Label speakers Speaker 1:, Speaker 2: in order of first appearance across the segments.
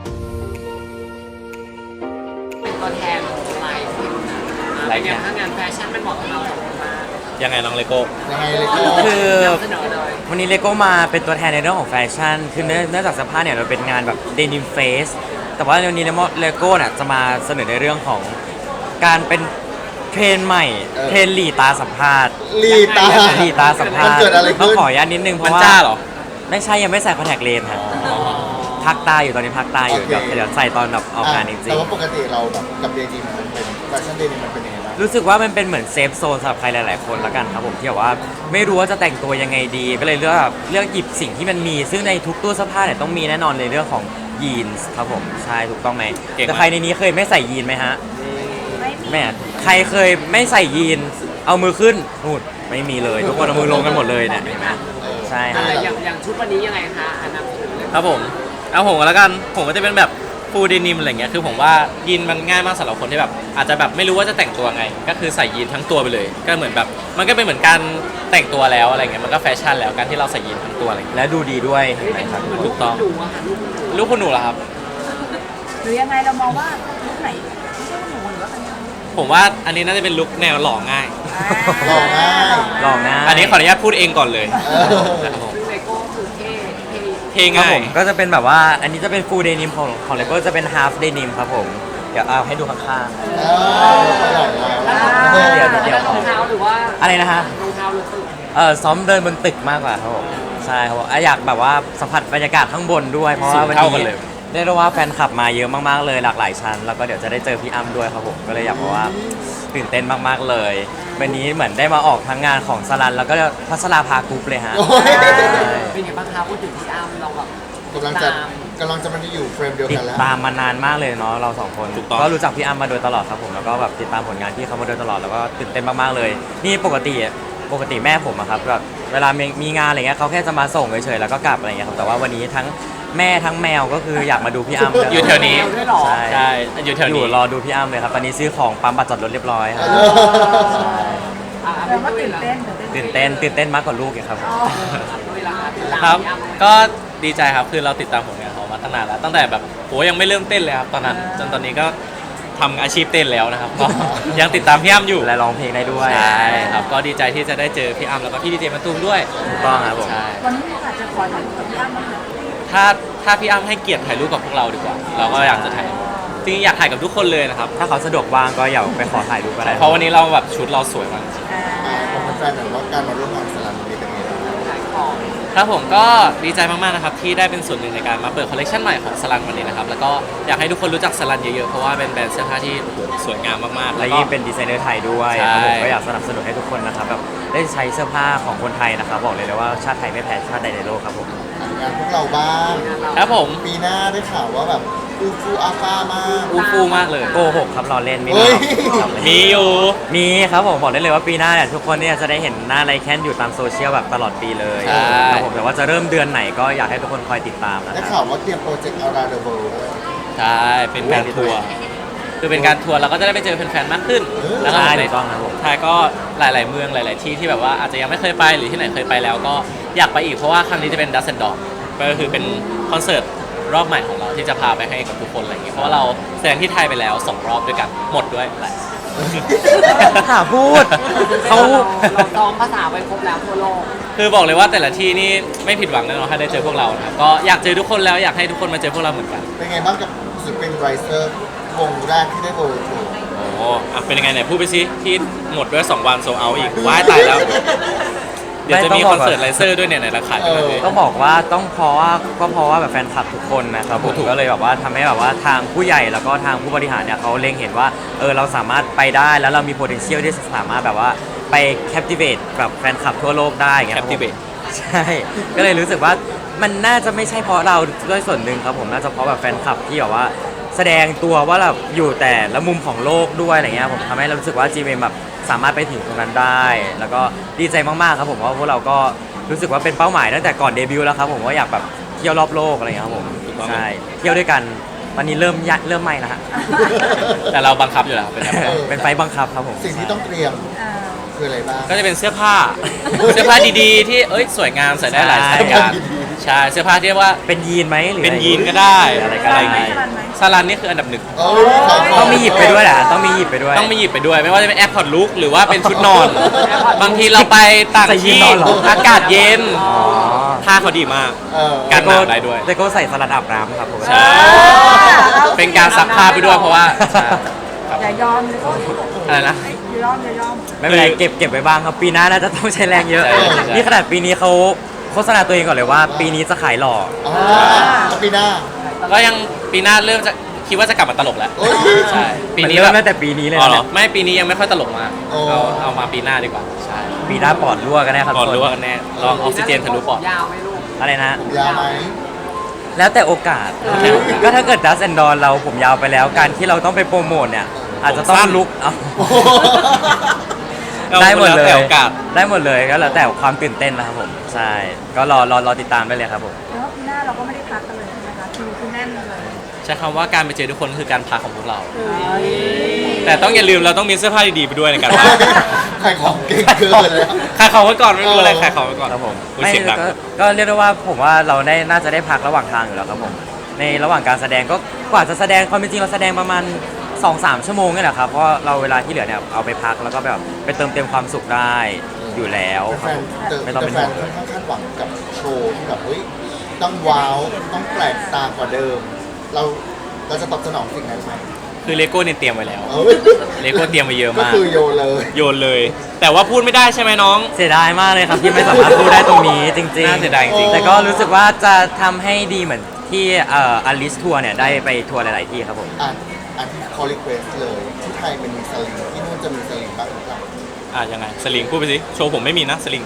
Speaker 1: เป็นตัวแทนของไลฟ์เป็นไงถ้างานแฟชั่นมันเหมาะกับเราสองคนมาก
Speaker 2: ยังไงน้องเลโก้
Speaker 3: ยังไงเลยก็
Speaker 4: คือ
Speaker 1: นำเสนอเลย
Speaker 4: วันนี้เลโก้มาเป็นตัวแทนในเรื่องของแฟชั่นคือเนื่องจากเสื้อผ้าเนี่ยเราเป็นงานแบบเดนิมเฟสแต่ว่าวันนี้เลโก้เนี่ยจะมาเสนอในเรื่องของการเป็นเทรนด์ใหม่เทรนด์หลีตาสัมภาษณ์
Speaker 3: ลีตา
Speaker 4: หลีตาสัมภาษณ์
Speaker 3: มันเกิดอะไรขึ้น
Speaker 4: ต้องขออนุญาตนิดนึงเพ
Speaker 2: มัน
Speaker 4: ราะว่า
Speaker 2: จ้าเหรอ
Speaker 4: ไม่ใช่ยังไม่ใส่คอนแทคเลนส์ครับพักตาอยู่ตอนนี้พักตาอยู่
Speaker 3: โอเค
Speaker 4: เดี๋ยวใส่ตอนแบบออกงานจริ
Speaker 3: แต่
Speaker 4: ง
Speaker 3: ว่าปกติเราแบบกับเดนิมมันเป็นแฟชั่นเดนิมมันเป็นยังไงบ้าง
Speaker 4: ๆรู้สึกว่ามันเป็นเหมือนเซฟโซนสำหรับใครหลายๆคนละกันครับผมที่แบบว่าไม่รู้ว่าจะแต่งตัวยังไงดีก็เลยเลือกหยิบสิ่งที่มันมี ซึ่งในทุกตู้เสื้อผ้าเนี่ยต้องมีแน่นอนในเรื่องของยีนส์ครับผมใช่ถูกต้องไหม
Speaker 2: เก่งมาก
Speaker 4: แต่ใครในนี้เคยไม่ใส่ยีนไหมฮะแม่ใครเคยไม่ใส่ยีนเอามือขึ้นนู่นไม่มีเลยทุกคนเอามือลงกันหมดเลยเนี่ยเห็นไหมใช่ฮะ
Speaker 1: อย่างชุดวันนี้ยังไงคะนำเสนอเลย
Speaker 2: ครับผมเอาผมก็แล้วกันผมก็จะเป็นแบบฟูลเดนิมอะไรเงี้ยคือผมว่ายีนมันง่ายมากสำหรับคนที่แบบอาจจะแบบไม่รู้ว่าจะแต่งตัวไง ก็คือใส่ยีนทั้งตัวไปเลย ก็เหมือนแบบมันก็เป็นเหมือนการแต่งตัวแล้วอะไรเงี้ยมันก็แฟชั่นแล้วการที่เราใส่ยีนทั้งตัวอะไรเงี้ย
Speaker 4: และดูดีด้วยเห็นไหมครับ
Speaker 2: ถูกต้อง
Speaker 1: ดูอะค่ะลูก
Speaker 2: ลูกคุณหนูเหรอครับ
Speaker 5: หรือยังไงเรามองว่าลุคไหนไม่ใช่หนูหรือว่าเป็นยังไง
Speaker 2: ผมว่าอันนี้น่าจะเป็นลุคแนวหล่อง่าย
Speaker 3: หล่อง่าย
Speaker 4: ลองนะ
Speaker 2: อันนี้ขออนุญาตพูดเองก่อนเลย
Speaker 3: เออ
Speaker 2: ครับผม
Speaker 1: ซึ่งเลโก้คือเท่
Speaker 2: เท่
Speaker 4: ครับ
Speaker 2: ง่า
Speaker 4: ผ
Speaker 2: ย
Speaker 4: มก็จะเป็นแบบว่าอันนี้จะเป็นฟูลเดนิมของเลโก้จะเป็นฮาล์ฟเดนิมครับผมเดี๋ยวเอาให้ดูข้าง เดี๋ยว
Speaker 1: รองเท้าหรือว่า
Speaker 4: ๆอะไรนะฮะ
Speaker 1: รองเท้าหรือตึก
Speaker 4: ซ้อมเดินบนตึกมากกว่าครับผมใช่ครับผมอยากแบบว่าสัมผัสบรรยากาศข้างบนด้วยเพราะว่าวัน
Speaker 2: สูงเท่ากั
Speaker 4: นี้
Speaker 2: นเลย
Speaker 4: ได้รู้ว่าแฟนคลับมาเยอะมากๆเลยหลากหลายชั้นแล้วก็เดี๋ยวจะได้เจอพี่อ้ำด้วยครับผมก็เลยอยากบอกว่าตื่นเต้นมากๆเลยวันนี้เหมือนได้มาออกทั้งงานของสลันแล้วก็พัชราภากรุ๊ปเลยฮะ
Speaker 3: โอ้ย
Speaker 4: ใช่
Speaker 1: เป็นไงบ้างคะพูดถึงพี่อ้ำเราแบบ
Speaker 3: กำลังจะมันอยู่เฟรมเดียว
Speaker 4: ติ
Speaker 3: กัน
Speaker 4: ด
Speaker 3: แล้ว
Speaker 4: ตามมานานมากเลยเนาะเราสองคน
Speaker 2: ถูกต้อง
Speaker 4: ก็รู้จักพี่อ้ำมาโดยตลอดครับผมแล้วก็แบบติดตามผลงานพี่เขามาโดยตลอดแล้วก็ตื่นเต้นมากๆเลย นี่ปกติแม่ผมอะครับแบบเวลามีงานอะไรเงี้ยเขาแค่จะมาส่งเฉยๆแล้วก็กลับอะไรเงี้ยครับแต่ว่าวันนี้ทั้งแม่ทั้งแมวก็คืออยากมาดูพี่อ้ำเลย
Speaker 2: อยู่แถวนี้
Speaker 1: ด้วยเหรอ
Speaker 4: ใช่
Speaker 2: ใช่อยู่แถว
Speaker 4: อยู่
Speaker 2: นี้
Speaker 4: รอดูพี่อ้ำเลยครับตอนนี้ซื้อของปั๊มบัตรจอดรถเรียบร้อยครับ
Speaker 5: แปลว่าตื่นเต้น
Speaker 4: ตื่นเต้นมากกว่าลูกอีกครับ
Speaker 1: เวลาติดตาม
Speaker 2: ครับ
Speaker 1: พี่อ้ำ
Speaker 2: ก็ดีใจครับ คือเราติดตามผลงานเขามาตั้งนานแล้ว ตั้งแต่แบบโหยังไม่เริ่มเต้นเลยครับตอนนั้น จนตอนนี้ก็ทำอาชีพเต้นแล้วนะครับ ก็ยังติดตามพี่อ้ำอยู่
Speaker 4: และร้องเพลงได้ด้วย
Speaker 2: ใช่ครับ ก็ดีใจที่จะได้เจอพี่อ้ำแล้วก็พี่ดีเจมะตูมด้วย
Speaker 4: ถูกต้องครับผม
Speaker 2: ใช่
Speaker 5: วันนี้มีโอกาสจะขอถ่ายรูปกับพี่อ้ำบ้างไหม
Speaker 2: ถ้าพี่อ้ำให้เกียรติถ่ายรูปกับพวกเราดีกว่า เราก็อยากจะถ่ายจริงๆอยากถ่ายกับทุกคนเลยนะครับ
Speaker 4: ถ้าเขาสะดวกว่างก็อย่าไปขอถ่ายรูปก็ได้
Speaker 2: เพราะวันนี้เราแบบชุดเราสวยมากจริง
Speaker 3: ผมเป็นแฟนแบบว่าการมาร่วมงานสลันนี้เป็นไงบ้าง
Speaker 1: ขายของ
Speaker 2: ครับผมก็ดีใจมากๆนะครับที่ได้เป็นส่วนหนึ่งในการมาเปิดคอลเลคชันใหม่ของสลันวันนี้นะครับแล้วก็อยากให้ทุกคนรู้จักสลันเยอะๆเพราะว่าเป็นแบรนด์เสื้อผ้าที่โอ้โหสวยงามมากๆ
Speaker 4: และ
Speaker 2: แล้วก็
Speaker 4: ยิ่งเป็นดีไซเนอร์ไทยด้วย
Speaker 2: ใช่
Speaker 4: ครับผมก็อยากสนับสนุนให้ทุกคนนะครับแบบได้ใช้เสื้อผ้าของคนไทยนะครับบอกเลยว่าชาติไทยไม่แพ้ชาติใดในโลกครับผม
Speaker 3: งานพวกเราบ้าง
Speaker 2: ครับผม
Speaker 3: ปีหน้าได้ข่าวว่าแบบอูฟูอาฟามาก
Speaker 2: อูฟูมากเลย
Speaker 4: โกหกครับรอเล่นไม่
Speaker 3: เฮ้
Speaker 4: มี
Speaker 3: ย
Speaker 4: ครับ
Speaker 2: มีอยู่
Speaker 4: มีครับผมบอกได้เลยว่าปีหน้าเนี่ยทุกคนเนี่ยจะได้เห็นหน้าไรแคนอยู่ตามโซเชียลแบบตลอดปีเลย
Speaker 2: ใช่
Speaker 4: ครับผมแต่ว่าจะเริ่มเดือนไหนก็อยากให้ทุกคนคอยติดตามนะ
Speaker 3: ได้
Speaker 4: ค
Speaker 3: ข่า
Speaker 4: รับ
Speaker 3: วว่าเตรียมโปรเจกต์อาราเดอร์เวิลด์ด้วย
Speaker 2: ใช่เป็นการทัวร์คือเป็นการทัวร์เราก็จะได้ไปเจอแฟนๆมากขึ้นแล้วก็
Speaker 4: ใช่
Speaker 2: ใน
Speaker 4: ถูกต้องครับผม
Speaker 2: ไทยก็หลายๆเมืองหลาย ๆ ที่ที่แบบว่าอาจจะยังไม่เคยไปหรือที่ไหนเคยไปแล้วก็อยากไปอีกเพราะว่าครั้งนี้จะเป็นดัซเซนดอร์ก็คือเป็นคอนเสิร์ตรอบใหม่ของเราที่จะพาไปให้กับทุกคนอะไรอย่างเงี้ยเพราะว่าเราแสดงที่ไทยไปแล้ว2 รอบด้วยกันหมดด้วยหลาย
Speaker 4: หาพูดเขา
Speaker 1: เราซ้อมภาษาไปครบแล้วทั่วโลก
Speaker 2: คือบอกเลยว่าแต่ละที่นี่ไม่ผิดหวังแน่นอนถ้าได้เจอพวกเรานะครับก็อยากเจอทุกคนแล้วอยากให้ทุกคนมาเจอพวกเราเหมือนกัน
Speaker 3: เป็นไงบ้างกับศิลปินไรเซอร์วงแรกที่ได้โบว์ทัวร์
Speaker 2: โอ้อ่ะเป็นยังไงเนี่ยพูดไปสิที่หมดด้วย2 วันโซเอาอีกว้ายตายแล้ว เดี๋ยวจะมีคอนเสิร์ตไลเซอร์ด้วยเนี่ยในราคาด้วยนะพี่
Speaker 4: ต้องบอกว่าเพราะว่าแบบแฟนคลับทุกคนนะครับผม
Speaker 2: ถูก
Speaker 4: ก็เลยแบบว่าทำให้แบบว่าทางผู้ใหญ่แล้วก็ทางผู้บริหารเนี่ยเขาเล็งเห็นว่าเราสามารถไปได้แล้วเรามี potential ที่จะสามารถแบบว่าไป captivate แบบแฟนคลับทั่วโลกได้อย่างเงี้ยครับผม
Speaker 2: Captivate
Speaker 4: ใช่ก็เลยรู้สึกว่ามันน่าจะไม่ใช่เพราะเราด้วยส่วนหนึ่งครับผมน่าจะเพราะแบบแฟนคลับที่แบบว่าแสดงตัวว่าแบบอยู่แต่ละมุมของโลกด้วยอะไรเงี้ยผมทำให้เรารู้สึกว่า GMM แบบสามารถไปถึงตรงนั้นได้ แล้วก็ดีใจมากๆครับผมเพราะพวกเราก็รู้สึกว่าเป็นเป้าหมายตั้งแต่ก่อนเดบิวต์แล้วครับผมว่าอยากแบบเที่ยวรอบโลกอะไรเงี้ยครับผม
Speaker 2: ถูกต้อง
Speaker 4: ใช่เที่ยวด้วยกันตอนนี้เริ่มไม่แล้วฮะ
Speaker 2: แต่เราบังคับอยู่แล้วเป็นแบบนั้น
Speaker 4: เป็นไฟล์บังคับครับผม
Speaker 3: สิ่งที่ต้องเตรียมคืออะไรบ้าง
Speaker 2: ก็จะเป็นเสื้อผ้า เสื้อผ้าดีๆ ที่สวยงามใส่ได้หลายสถานการณ์ใช่เสื้อผ้าที่เรียกว่า
Speaker 4: เป็นยีนไหมหรือ
Speaker 2: เป็นยีนก็ได้
Speaker 4: อะไรก็
Speaker 2: อะไร
Speaker 4: ได้
Speaker 2: อย่าง
Speaker 5: ไหม
Speaker 2: งี้
Speaker 5: สลันไหม
Speaker 2: ซาลันนี่คืออันดับหนึ่ง
Speaker 3: เอ้ยขายข
Speaker 4: ต้องมีหยิบไปด้วยแหละต้องมีหยิบไปด้วย
Speaker 2: ต้องมีหยิบไปด้วย ไม่ว่าจะเป็นแอร์พอร์ตลุกหรือว่าเป็นชุดนอน บางทีเราไปต่าง
Speaker 4: ใส่ยีน
Speaker 2: ที่
Speaker 4: นอนเหรอ
Speaker 2: อากาศเย็น
Speaker 4: อ๋อ
Speaker 2: ผ้าเขาดีมาก
Speaker 3: เออ
Speaker 2: กันหนาวได้ด้วย
Speaker 4: แต่ก็ใส่สลัดอาบน้ำครับผม
Speaker 2: ใช่ เป็นการซักผ้าไปด้วยเพราะว่าใช่
Speaker 5: อย่ายอมเลยก็
Speaker 2: อะไรนะ
Speaker 5: อย่ายอม
Speaker 4: ไม่เป็นไรเก็บไว้บ้างครับปีหน้าน่าจะต้องใช้แรงเยอะ
Speaker 2: ใช่ใช่
Speaker 4: นี่ขนาดปีนี้เขาโฆษณาตัวเองก่อนเลยว่า ปีนี้จะขายหล่อ
Speaker 3: อ๋อแล้วปีหน้า
Speaker 2: ก็ยังปีหน้าเริ่มจะคิดว่าจะกลับมาตลกแล้ว
Speaker 3: โอ้ย
Speaker 2: ใช่ปี
Speaker 4: มัน
Speaker 2: นี้
Speaker 4: เริ่ม
Speaker 2: แบบ
Speaker 4: ตั้งแต่ปีนี้เลย
Speaker 2: อ๋อ
Speaker 4: นะ
Speaker 2: เหรอไม่ปีนี้ยังไม่ค่อยตลกมาก
Speaker 3: โอ้
Speaker 2: เอามาปีหน้าดีกว่าใช่
Speaker 4: ปีหน้าปอดรั่วกันแน่ครับ
Speaker 2: ก่อน
Speaker 4: ทุก
Speaker 2: รู้
Speaker 4: ค
Speaker 2: ว่ากันแน่ลองออกซิเจนทะลุปอด
Speaker 1: ยาวไหม่ลูก
Speaker 4: อะไรนะ
Speaker 3: ผมยาวไหม
Speaker 4: แล้วแต่โอกาส ก็ถ้าเกิดดัสแอนดอนเราผมยาวไปแล้ว การที่เราต้องไปโปรโมทเนี่ยอาจจะต้องลุกเอา
Speaker 3: โอ้โห
Speaker 4: ได้หมดเล
Speaker 2: แล้
Speaker 4: ยว
Speaker 2: แต่โอกาส
Speaker 4: ได้หมดเลยก็แล้วแต่ความตื่นเต้นนะครับผมใช่ก็รอติดตามได้เลยครับผม
Speaker 5: แล้วปีหน้าเราก็ไม่ได้พักกันเลยใช่ไหมคะคิวคือแน่นเลย
Speaker 2: ใช้คำว่าการไปเจอทุกคนคือการพักของพวกเรา แต่ต้องอย่าลืมเราต้องมีเสื้อผ้าดีๆไปด้วยในการพัก
Speaker 3: ขายของเก่งเกินเลย
Speaker 2: ขายของไว้ก่อนไม่รู้อะไรขายของไว้ก่อน
Speaker 4: ครับผม
Speaker 2: อุ๊ย
Speaker 4: ไม่
Speaker 2: เสียงดัง
Speaker 4: ก็เรียกได้ว่าผมว่าเราน่าจะได้พักระหว่างทางอยู่แล้วครับผมในระหว่างการแสดงก็กว่าจะแสดงความเป็นจริงเราแสดงประมาณ 2-3 ชั่วโมงนี่แหละครับเพราะเราเวลาที่เหลือเนี่ยเอาไปพักแล้วก็แบบไปเติมเต็มความสุขได้อยู่แล้วครับผม ไม่ต้องเป็น
Speaker 3: แฟ
Speaker 4: ห่
Speaker 3: น
Speaker 4: วง
Speaker 3: ค่อนข้างคาดหวังกับโชว์ที่แบบเฮ้ยต้องว้าวต้องแปลกตากว่าเดิม เราจะตอบสนองสิ่งนั้นไหม
Speaker 2: คือเลโก้เนี่ยเตรียมไว้แล้ว
Speaker 3: เอ้ย
Speaker 2: เลโก้เตรียมไว้เยอะ
Speaker 3: ก็
Speaker 2: มาก
Speaker 3: คือโยนเลย
Speaker 2: โยนเลย แต่ว่าพูดไม่ได้ใช่ไหมน้อง
Speaker 4: เสียดายมากเลยครับที่ไม่สามารถพูดได้ตรงนี้จริงๆ
Speaker 2: น่าเสียดายจริงๆ
Speaker 4: แต่ก็รู้สึกว่าจะทำให้ดีเหมือนที่อลิสทัวร์เนี่ยได้ไปทัวร์หลายๆที่ครับผม
Speaker 3: อันที่เขารีเควสเลยที่ไทยเป็นมีสลิงที่นู่นจะมีสลิงบ้างหรือเปล่า
Speaker 2: ยังไงสลิงพูดไปสิโชว์ผมไม่มีนะสลิง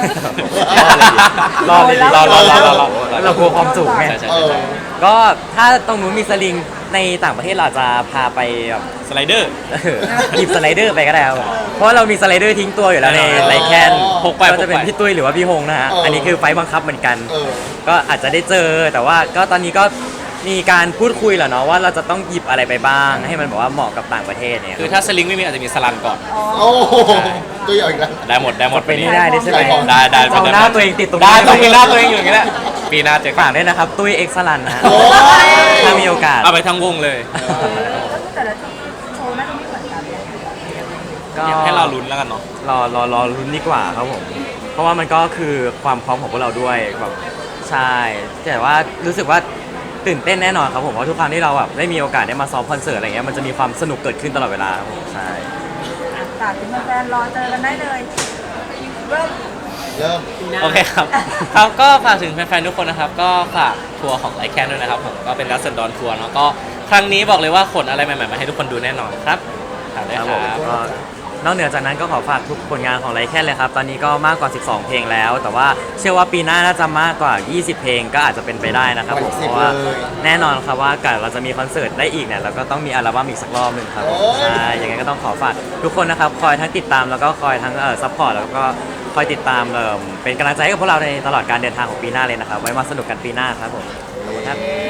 Speaker 4: รอเลย
Speaker 2: รอ
Speaker 4: เรากลัวความสูงไง
Speaker 2: ใช่ใช่
Speaker 3: เออ
Speaker 2: ใช่
Speaker 4: ก็ถ้าตรงนู้นมีสลิงในต่างประเทศเราจะพาไปแบบ
Speaker 2: สไลเดอร์
Speaker 4: หยิบสไลเดอร์ไปก็ได้ครับเพราะว่าเรามีสไลเดอร์ทิ้งตัวอยู่แล้วใน
Speaker 2: อ๋อ
Speaker 4: ไลแคน
Speaker 2: พกไป
Speaker 4: ก็จะเป็น
Speaker 2: พกไป
Speaker 4: พี่ตุ้ยหรือว่าพี่ฮงนะฮะ อันนี้คือไฟล์บังคับเหมือนกัน
Speaker 3: เออ
Speaker 4: ก็อาจจะได้เจอแต่ว่าก็ตอนนี้ก็มีการพูดคุยแหละเนาะว่าเราจะต้องหยิบอะไรไปบ้าง ให้มันแบบว่าเหมาะกับต่างประเทศเนี่ย
Speaker 2: คือถ้าสลิงไม่มีอาจจะมีสลันก่อน
Speaker 3: โอ้โหตัวใหญ่อีกแล้ว
Speaker 2: ได้หมดได้หมด
Speaker 4: เป็นไม่ได้ด้วยใช่ไหม
Speaker 2: ได้
Speaker 4: เอาหน้าตัวเองติดตรง
Speaker 2: ได้
Speaker 4: นี้
Speaker 2: ต้องมีหน้าตัวเองอยู่อย่างนี้แหละปีหน้าเจอกั
Speaker 4: ฝาน กด้วยนะครับตุ้ยเอ็กซ์ลันนะฮะ
Speaker 3: โอ้ย
Speaker 4: ถ้ามีโอกาส
Speaker 2: เอาไปทั้งวงเลย
Speaker 5: ก็คือแต่ละที่โชว์น่าจะไม่เหมือนกันเลย
Speaker 4: ก็
Speaker 2: อยากให้เราลุ้นแล้วกันเนาะ
Speaker 4: รอลุ้นดีกว่าครับผมเพราะว่ามันก็คือความพร้อมของพวกเราด้วยแบบใช่แต่ว่ารู้สึกว่าตื่นเต้นแน่นอนครับผมเพราะทุกครั้งที่เราแบบได้มีโอกาสได้มาซ้อมคอนเสิร์ตอะไรเงี้ยมันจะมีความสนุกเกิดขึ้นตลอดเวลาครับผมใช่
Speaker 5: ฝากถึงแฟนๆรอเจอกันได้เลยเริ่ม
Speaker 3: เริ่ม
Speaker 2: โอเคครับครับก็ฝากถึงแฟนๆทุกคนนะครับก็ฝากทัวร์ของไลแคนด้วยนะครับผมก็เป็นรัสเซนดอนทัวร์เนาะก็ครั้งนี้บอกเลยว่าขนอะไรใหม่ๆมาให้ทุกคนดูแน่นอนครับฝากด้วย
Speaker 4: ครับ
Speaker 2: ค
Speaker 4: ผม
Speaker 2: รับ
Speaker 4: ก็นอกเหนือจากนั้นก็ขอฝากทุกผลงานของไลแคนเลยครับ ตอนนี้ก็มากกว่า 12 เพลงแล้ว แต่ว่าเชื่อว่าปีหน้าน่าจะมากกว่า 20 เพลงก็อาจจะเป็นไปได้นะครับผมเพราะว่าแน่นอนครับว่าการเราจะมีคอนเสิร์ตได้อีกเนี่ยเราก็ต้องมีอัลบั้มอีกสักรอบหนึ่งครับผมใช่ยังไงก็ต้องขอฝากทุกคนนะครับคอยทั้งติดตามแล้วก็คอยทั้งซัพพอร์ตแล้วก็คอยติดตามเป็นกำลังใจให้กับพวกเราในตลอดการเดินทางของปีหน้าเลยนะครับไว้มาสนุกกันปีหน้าครับผมขอบคุณครับ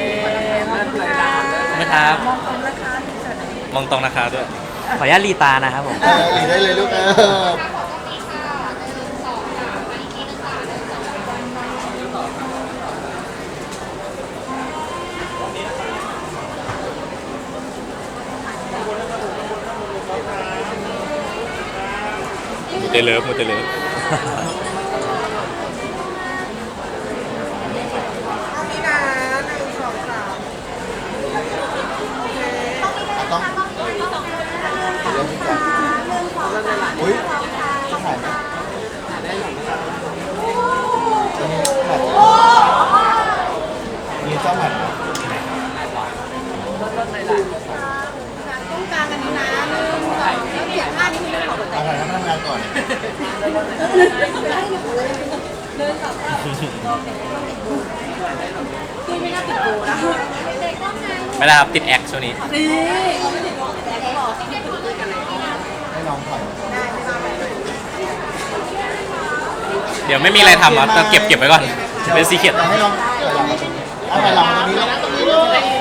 Speaker 2: นะครับ
Speaker 5: มองตรงนะคะที่เจอไหน
Speaker 2: มองตรงนะครับด้วย
Speaker 4: ขออนุญาตรีตานะครับผม
Speaker 3: หลีได้เลยลูก
Speaker 2: มูเตเลิฟมูเตเลิฟ
Speaker 3: ต้องเริ่มที่ก่อนอุ้ยจะถ่ายไหมอันนี้ถ่ายมีเจ้าหมัดไหม
Speaker 5: ต้องการกันนี้นะเริ่มก่อนแล้วเปลี่ยนท่านี้คือเรื่องของหัวใจ
Speaker 3: เอาถ่ายทำงานก่อน
Speaker 5: คือไม่น่าติดโบนะ
Speaker 2: ไม่ได้ครับติดแอคช่วงนี้
Speaker 3: ให้น้องถ่าย
Speaker 2: เดี๋ยวไม่มีอะไรทำอ่ะต้องเก็บไว้ก่อนเป็นซีเค็ด
Speaker 3: ให้น้องถ่ายหลังมาตรงนี้เอาถ่ายหลังมาตรงนี้แล้ว